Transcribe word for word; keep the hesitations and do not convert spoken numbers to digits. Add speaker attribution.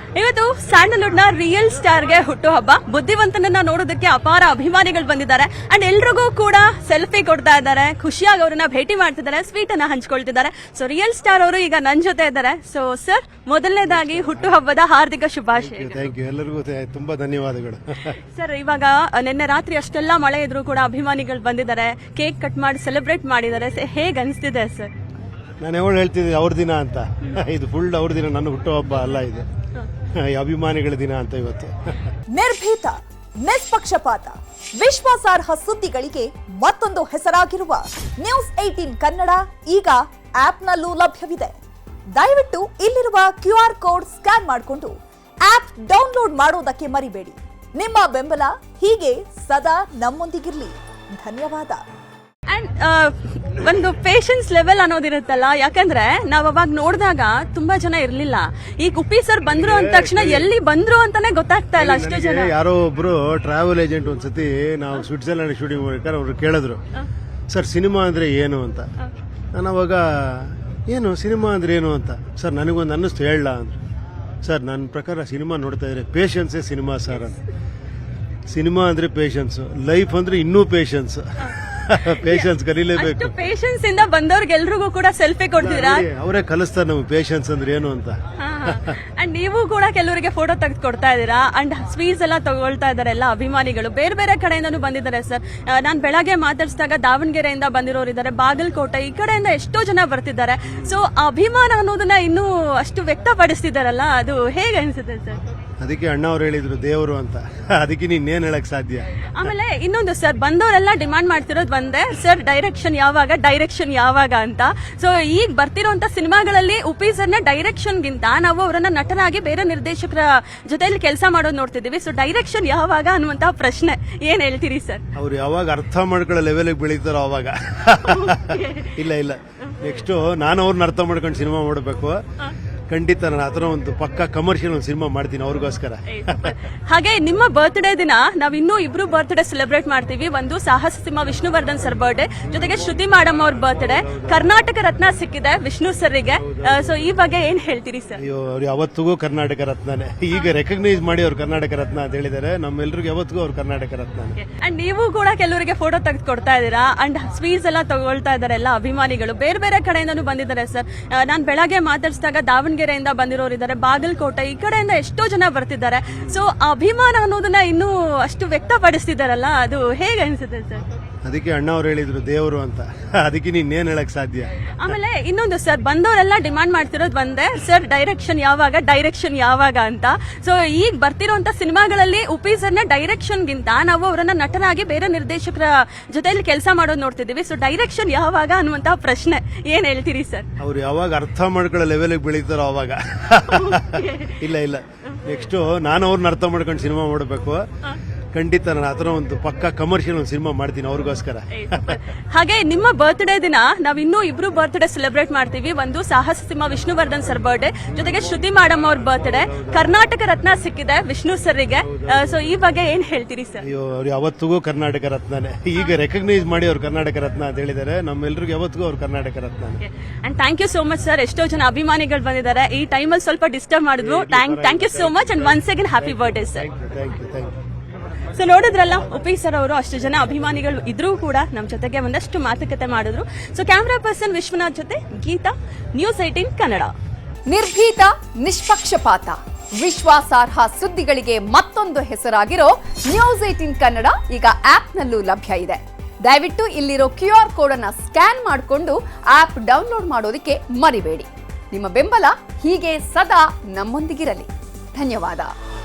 Speaker 1: ಇವತ್ತು ಸ್ಯಾಂಡಲ್ವುಡ್ ನ real star ಗೆ ಹುಟ್ಟುಹಬ್ಬ. ಬುದ್ಧಿವಂತನನ್ನ ನೋಡೋದಕ್ಕೆ ಅಪಾರ ಅಭಿಮಾನಿಗಳು ಬಂದಿದ್ದಾರೆ ಅಂಡ್ ಎಲ್ರಿಗೂ ಕೂಡ ಸೆಲ್ಫಿ ಕೊಡ್ತಾ ಇದ್ದಾರೆ, ಖುಷಿಯಾಗಿ ಅವರನ್ನ ಭೇಟಿ ಮಾಡ್ತಿದ್ದಾರೆ, ಸ್ವೀಟ್ ಅನ್ನ ಹಂಚ್ಕೊಳ್ತಿದ್ದಾರೆ. ಸೊ ರಿಯಲ್ ಸ್ಟಾರ್ ಅವರು ಈಗ ನನ್ನ ಜೊತೆ ಇದ್ದಾರೆ. ಸೊ ಸರ್, ಮೊದಲನೇದಾಗಿ ಹುಟ್ಟುಹಬ್ಬದ ಹಾರ್ದಿಕ ಶುಭಾಶಯ.
Speaker 2: ಥ್ಯಾಂಕ್ ಯು, ಎಲ್ಲರಿಗೂ ತುಂಬಾ ಧನ್ಯವಾದಗಳು.
Speaker 1: ಸರ್, ಇವಾಗ ನಿನ್ನೆ ರಾತ್ರಿ ಅಷ್ಟೆಲ್ಲ ಮಳೆ ಇದ್ರು ಕೂಡ ಅಭಿಮಾನಿಗಳು ಬಂದಿದ್ದಾರೆ, ಕೇಕ್ ಕಟ್ ಮಾಡಿ ಸೆಲೆಬ್ರೇಟ್ ಮಾಡಿದ್ದಾರೆ. ಹೇಗ್ ಅನಿಸ್ತಿದೆ ಸರ್?
Speaker 2: ನಾನು ಯಾವಾಗ ಹೇಳ್ತಿದ್ದೆ ಅವ್ರ ದಿನ ಅಂತ, ಇದು ಫುಲ್ ಅವ್ರ ದಿನ, ನನ್ನ ಹುಟ್ಟುಹಬ್ಬ ಅಲ್ಲ, ಇದು ಅಭಿಮಾನಿಗಳ ದಿನ ಅಂತ ಇವತ್ತು.
Speaker 3: ನಿರ್ಭೀತ, ನಿಷ್ಪಕ್ಷಪಾತ, ವಿಶ್ವಾಸಾರ್ಹ ಸುದ್ದಿಗಳಿಗೆ ಮತ್ತೊಂದು ಹೆಸರಾಗಿರುವ ನ್ಯೂಸ್ ಏಟೀನ್ ಕನ್ನಡ ಈಗ ಆಪ್ನಲ್ಲೂ ಲಭ್ಯವಿದೆ. ದಯವಿಟ್ಟು ಇಲ್ಲಿರುವ ಕ್ಯೂ ಆರ್ ಕೋಡ್ ಸ್ಕ್ಯಾನ್ ಮಾಡಿಕೊಂಡು ಆಪ್ ಡೌನ್ಲೋಡ್ ಮಾಡೋದಕ್ಕೆ ಮರಿಬೇಡಿ. ನಿಮ್ಮ ಬೆಂಬಲ ಹೀಗೆ ಸದಾ ನಮ್ಮೊಂದಿಗಿರ್ಲಿ. ಧನ್ಯವಾದ.
Speaker 1: ಅಂಡ್ ಒಂದು ಪೇಷನ್ಸ್ ಲೆವೆಲ್ ಅನ್ನೋದಿರುತ್ತಲ್ಲ, ಯಾಕಂದ್ರೆ ನಾವ್ ಅವಾಗ ನೋಡಿದಾಗ ತುಂಬಾ ಜನ ಇರ್ಲಿಲ್ಲ. ಈಗ ಉಪ್ಪಿ ಸರ್ ಬಂದ್ರು ಅಂದ ತಕ್ಷಣ ಎಲ್ಲಿ ಬಂದ್ರು ಅಂತಾನೆ ಗೊತ್ತಾಗ್ತಾ ಇಲ್ಲ, ಅಷ್ಟು ಜನ.
Speaker 2: ಯಾರೋ ಒಬ್ರು ಟ್ರಾವೆಲ್ ಏಜೆಂಟ್ ಒಂದ್ಸತಿ ನಾವು ಸ್ವಿಟ್ಜರ್ಲ್ಯಾಂಡ್ ಶೂಟಿಂಗ್ ಮಾಡ್ಬೇಕಾದ್ರೆ ಅವ್ರು ಕೇಳಿದ್ರು, ಸರ್ ಸಿನಿಮಾ ಅಂದ್ರೆ ಏನು ಅಂತ. ನಾನು ಅವಾಗ ಏನು ಸಿನಿಮಾ ಅಂದ್ರೆ ಏನು ಅಂತ, ಸರ್ ನನಗೊಂದು ಅನ್ನಿಸ್ತು ಹೇಳ ಅಂದ್ರೆ. ಸರ್ ನನ್ನ ಪ್ರಕಾರ ಸಿನಿಮಾ ನೋಡ್ತಾ ಇದ್ರೆ ಪೇಷನ್ಸೇ ಸಿನಿಮಾ ಸರ್ ಅಂತ. ಸಿನಿಮಾ ಅಂದ್ರೆ ಪೇಷನ್ಸ್, ಲೈಫ್ ಅಂದ್ರೆ ಇನ್ನೂ ಪೇಷನ್ಸ್. ಪೇಷನ್ಸ್ ಕಲೀಲೇಬೇಕು.
Speaker 1: ಪೇಷನ್ಸ್ ಇಂದ ಬಂದವ್ರಿಗೆಲ್ರಿಗೂ ಕೂಡ ಸೆಲ್ಫಿ ಕೊಡ್ತೀರಾ?
Speaker 2: ಅವರೇ ಕಲಿಸ್ತಾರೆ ನಮ್ಗೆ ಪೇಷನ್ಸ್ ಅಂದ್ರೆ ಏನು ಅಂತ.
Speaker 1: ಅಂಡ್ ನೀವು ಕೂಡ ಕೆಲವರಿಗೆ ಫೋಟೋ ತೆಗೆದು ಕೊಡ್ತಾ ಇದ್ದೀರಾ ಅಂಡ್ ಸ್ವೀಟ್ಸ್ ಎಲ್ಲ ತಗೊಳ್ತಾ ಇದಾರೆ ಎಲ್ಲ ಅಭಿಮಾನಿಗಳು. ಬೇರೆ ಬೇರೆ ಕಡೆಯಿಂದನೂ ಬಂದಿದ್ದಾರೆ ಸರ್. ನಾನು ಬೆಳಗ್ಗೆ ಮಾತಾಡಿಸಿದಾಗ ದಾವಣಗೆರೆಯಿಂದ ಬಂದಿರೋರು ಇದ್ದಾರೆ, ಬಾಗಲಕೋಟೆ, ಈ ಕಡೆಯಿಂದ ಎಷ್ಟೋ ಜನ ಬರ್ತಿದ್ದಾರೆ. ಸೊ ಅಭಿಮಾನ ಅನ್ನೋದನ್ನ ಇನ್ನೂ ಅಷ್ಟು ವ್ಯಕ್ತಪಡಿಸ್ತಿದಾರಲ್ಲ, ಅದು ಹೇಗೆ ಅನ್ಸುತ್ತೆ ಸರ್?
Speaker 2: ಅದಕ್ಕೆ ಅಣ್ಣ ಅವ್ರು ಹೇಳಿದ್ರು ದೇವರು ಅಂತ, ಅದಕ್ಕೆ ನೀನೇನ್ ಹೇಳಕ್ ಸಾಧ್ಯ.
Speaker 1: ಆಮೇಲೆ ಇನ್ನೊಂದು ಸರ್, ಬಂದವರೆಲ್ಲ ಡಿಮಾಂಡ್ ಮಾಡ್ತಿರೋದು ಒಂದೇ, ಸರ್ ಡೈರೆಕ್ಷನ್ ಯಾವಾಗ ಡೈರೆಕ್ಷನ್ ಯಾವಾಗ ಅಂತ. ಸೊ ಈಗ ಬರ್ತಿರೋಂತ ಸಿನಿಮಾಗಳಲ್ಲಿ ಉಪಿ ಸರ್ನ ಡೈರೆಕ್ಷನ್ ಗಿಂತ ನಾವು ಅವರನ್ನ ನಟನಾಗಿ ಬೇರೆ ನಿರ್ದೇಶಕರ ಜೊತೆಯಲ್ಲಿ ಕೆಲಸ ಮಾಡೋದು ನೋಡ್ತಿದೀವಿ. ಸೊ ಡೈರೆಕ್ಷನ್ ಯಾವಾಗ ಅನ್ನುವಂತಹ ಪ್ರಶ್ನೆ ಏನ್ ಹೇಳ್ತೀರಿ ಸರ್?
Speaker 2: ಅವ್ರು ಯಾವಾಗ ಅರ್ಥ ಮಾಡ್ಕೊಳ್ಳೋ ಲೆವೆಲ್ ಬೆಳೀತಾರೋ ಅವಾಗ. ಇಲ್ಲ ಇಲ್ಲ, ನೆಕ್ಸ್ಟ್ ನಾನು ಅವ್ರನ್ನ ಅರ್ಥ ಮಾಡ್ಕೊಂಡು ಸಿನಿಮಾ ಮಾಡಬೇಕು. ಖಂಡಿತ ನಾನು ಆತರ ಒಂದು ಪಕ್ಕ ಕಮರ್ಷಿಯಲ್ ಒಂದು ಸಿನಿಮಾ ಮಾಡ್ತೀನಿ ಅವ್ರಿಗೋಸ್ಕರ.
Speaker 1: ಹಾಗೆ ನಿಮ್ಮ ಬರ್ತ್ಡೇ ದಿನ ನಾವ್ ಇನ್ನೂ ಇಬ್ರು ಬರ್ತ್ಡೇ ಸೆಲೆಬ್ರೇಟ್ ಮಾಡ್ತೀವಿ. ಒಂದು ಸಾಹಸ ಸಿಂಹ ವಿಷ್ಣುವರ್ಧನ್ ಸರ್ ಬರ್ಡೇ, ಜೊತೆಗೆ ಶ್ರುತಿ ಮೇಡಮ್ ಅವ್ರ ಬರ್ತ್ಡೇ. ಕರ್ನಾಟಕ ರತ್ನ ಸಿಕ್ಕಿದೆ ವಿಷ್ಣು ಸರ್ಗೆ. ಸೊ ಈ ಬಗ್ಗೆ ಏನ್ ಹೇಳ್ತೀರಿ ಸರ್?
Speaker 2: ಅಯ್ಯೋ, ಅವ್ರು ಯಾವತ್ತಿಗೂ ಕರ್ನಾಟಕ ರತ್ನನೇ. ಈಗ ರೆಕಗ್ನೈಸ್ ಮಾಡಿ ಅವ್ರು ಕರ್ನಾಟಕ ರತ್ನ ಅಂತ ಹೇಳಿದ್ದಾರೆ. ನಮ್ಮೆಲ್ರಿಗೂ ಯಾವತ್ತಿಗೂ ಅವ್ರು ಕರ್ನಾಟಕ ರತ್ನ.
Speaker 1: ಅಂಡ್ ನೀವು ಕೂಡ ಕೆಲವರಿಗೆ ಫೋಟೋ ತೆಗೆದು ಕೊಡ್ತಾ ಇದ್ದೀರಾ ಅಂಡ್ ಸ್ವೀಟ್ಸ್ ಎಲ್ಲ ತಗೊಳ್ತಾ ಇದಾರೆ ಎಲ್ಲ ಅಭಿಮಾನಿಗಳು. ಬೇರೆ ಬೇರೆ ಕಡೆಯಿಂದನೂ ಬಂದಿದ್ದಾರೆ ಸರ್. ನಾನು ಬೆಳಗ್ಗೆ ಮಾತಾಡಿಸಿದಾಗ ದಾವಣಗೆರೆಯಿಂದ ಬಂದಿರೋರು ಇದ್ದಾರೆ, ಬಾಗಲಕೋಟೆ, ಈ ಕಡೆಯಿಂದ ಎಷ್ಟೋ ಜನ ಬರ್ತಿದ್ದಾರೆ. ಸೊ ಅಭಿಮಾನ ಅನ್ನೋದನ್ನ ಇನ್ನೂ ಅಷ್ಟು ವ್ಯಕ್ತಪಡಿಸ್ತಿದಾರಲ್ಲ, ಅದು ಹೇಗೆ ಅನ್ಸುತ್ತೆ ಸರ್?
Speaker 2: ಅದಕ್ಕೆ ಅಣ್ಣ ಅವ್ರು ಹೇಳಿದ್ರು ದೇವರು ಅಂತ, ಅದಕ್ಕೆ ನೀನೇನ್ ಹೇಳಕ್ ಸಾಧ್ಯ.
Speaker 1: ಆಮೇಲೆ ಇನ್ನೊಂದು ಸರ್, ಬಂದವರೆಲ್ಲ ಡಿಮಾಂಡ್ ಮಾಡ್ತಿರೋದು ಒಂದೇ, ಸರ್ ಡೈರೆಕ್ಷನ್ ಯಾವಾಗ ಡೈರೆಕ್ಷನ್ ಯಾವಾಗ ಅಂತ. ಸೊ ಈಗ ಬರ್ತಿರೋಂತ ಸಿನಿಮಾಗಳಲ್ಲಿ ಉಪಿ ಸರ್ನ ಡೈರೆಕ್ಷನ್ ಗಿಂತ ನಾವು ಅವರನ್ನ ನಟನಾಗಿ ಬೇರೆ ನಿರ್ದೇಶಕರ ಜೊತೆಯಲ್ಲಿ ಕೆಲಸ ಮಾಡೋದು ನೋಡ್ತಿದೀವಿ. ಸೊ ಡೈರೆಕ್ಷನ್ ಯಾವಾಗ ಅನ್ನುವಂತಹ ಪ್ರಶ್ನೆ ಏನ್ ಹೇಳ್ತೀರಿ ಸರ್?
Speaker 2: ಅವ್ರು ಯಾವಾಗ ಅರ್ಥ ಮಾಡ್ಕೊಳ್ಳೋ ಲೆವೆಲ್ ಬೆಳೀತಾರೋ ಅವಾಗ. ಇಲ್ಲ ಇಲ್ಲ, ನೆಕ್ಸ್ಟ್ ನಾನು ಅವ್ರನ್ನ ಅರ್ಥ ಮಾಡ್ಕೊಂಡು ಸಿನಿಮಾ ಮಾಡಬೇಕು. ಖಂಡಿತ ನಾನು ಆತರ ಒಂದು ಪಕ್ಕ ಕಮರ್ಷಿಯಲ್ ಒಂದು ಸಿನಿಮಾ ಮಾಡ್ತೀನಿ ಅವ್ರಿಗೋಸ್ಕರ.
Speaker 1: ಹಾಗೆ ನಿಮ್ಮ ಬರ್ತ್ಡೇ ದಿನ ನಾವ್ ಇನ್ನೂ ಇಬ್ರು ಬರ್ತ್ಡೇ ಸೆಲೆಬ್ರೇಟ್ ಮಾಡ್ತೀವಿ. ಒಂದು ಸಾಹಸ ಸಿಂಹ ವಿಷ್ಣುವರ್ಧನ್ ಸರ್ ಬರ್ಡೇ, ಜೊತೆಗೆ ಶ್ರುತಿ ಮೇಡಮ್ ಅವ್ರ ಬರ್ತ್ಡೇ. ಕರ್ನಾಟಕ ರತ್ನ ಸಿಕ್ಕಿದೆ ವಿಷ್ಣು ಸರ್ಗೆ. ಸೊ ಈ ಬಗ್ಗೆ ಏನ್ ಹೇಳ್ತೀರಿ ಸರ್?
Speaker 2: ಅಯ್ಯೋ, ಅವ್ರು ಯಾವತ್ತಿಗೂ ಕರ್ನಾಟಕ ರತ್ನನೇ. ಈಗ ರೆಕಗ್ನೈಸ್ ಮಾಡಿ ಅವ್ರು ಕರ್ನಾಟಕ ರತ್ನ ಅಂತ ಹೇಳಿದ್ದಾರೆ. ನಮ್ಮೆಲ್ರಿಗೂ ಯಾವತ್ತಿಗೂ ಅವ್ರು Karnataka Ratna.
Speaker 1: And thank you so much sir. ಎಷ್ಟೋ ಜನ ಅಭಿಮಾನಿಗಳು ಬಂದಿದ್ದಾರೆ. ಈ ಟೈಮಲ್ಲಿ ಸ್ವಲ್ಪ ಡಿಸ್ಟರ್ಬ್ ಮಾಡಿದ್ರು. Thank you so much and once again happy birthday sir.
Speaker 2: Thank you thank you.
Speaker 1: So ನೋಡಿದ್ರಲ್ಲ, ಉಪಿ ಸರ್ ಅವರು ಅಷ್ಟು ಜನ ಅಭಿಮಾನಿಗಳು ಇದ್ರೂ ಕೂಡ ನಮ್ಮ ಜೊತೆಗೆ ಒಂದಷ್ಟು ಮಾತುಕತೆ ಮಾಡಿದ್ರು. ಸೊ ಕ್ಯಾಮ್ರಾ ಪರ್ಸನ್ ವಿಶ್ವನಾಥ್ ಜೊತೆ ಗೀತಾ, ನ್ಯೂಸ್ ಏಟೀನ್ ಕನ್ನಡ.
Speaker 3: ನಿರ್ಭೀತ, ನಿಷ್ಪಕ್ಷಪಾತ, ವಿಶ್ವಾಸಾರ್ಹ ಸುದ್ದಿಗಳಿಗೆ ಮತ್ತೊಂದು ಹೆಸರಾಗಿರೋ ನ್ಯೂಸ್ ಏಟೀನ್ ಕನ್ನಡ ಈಗ ಆಪ್ನಲ್ಲೂ ಲಭ್ಯ ಇದೆ. ದಯವಿಟ್ಟು ಇಲ್ಲಿರೋ ಕ್ಯೂ ಆರ್ ಕೋಡ್ ಅನ್ನ ಸ್ಕ್ಯಾನ್ ಮಾಡಿಕೊಂಡು ಆಪ್ ಡೌನ್ಲೋಡ್ ಮಾಡೋದಕ್ಕೆ ಮರಿಬೇಡಿ. ನಿಮ್ಮ ಬೆಂಬಲ ಹೀಗೆ ಸದಾ ನಮ್ಮೊಂದಿಗಿರಲಿ. ಧನ್ಯವಾದ.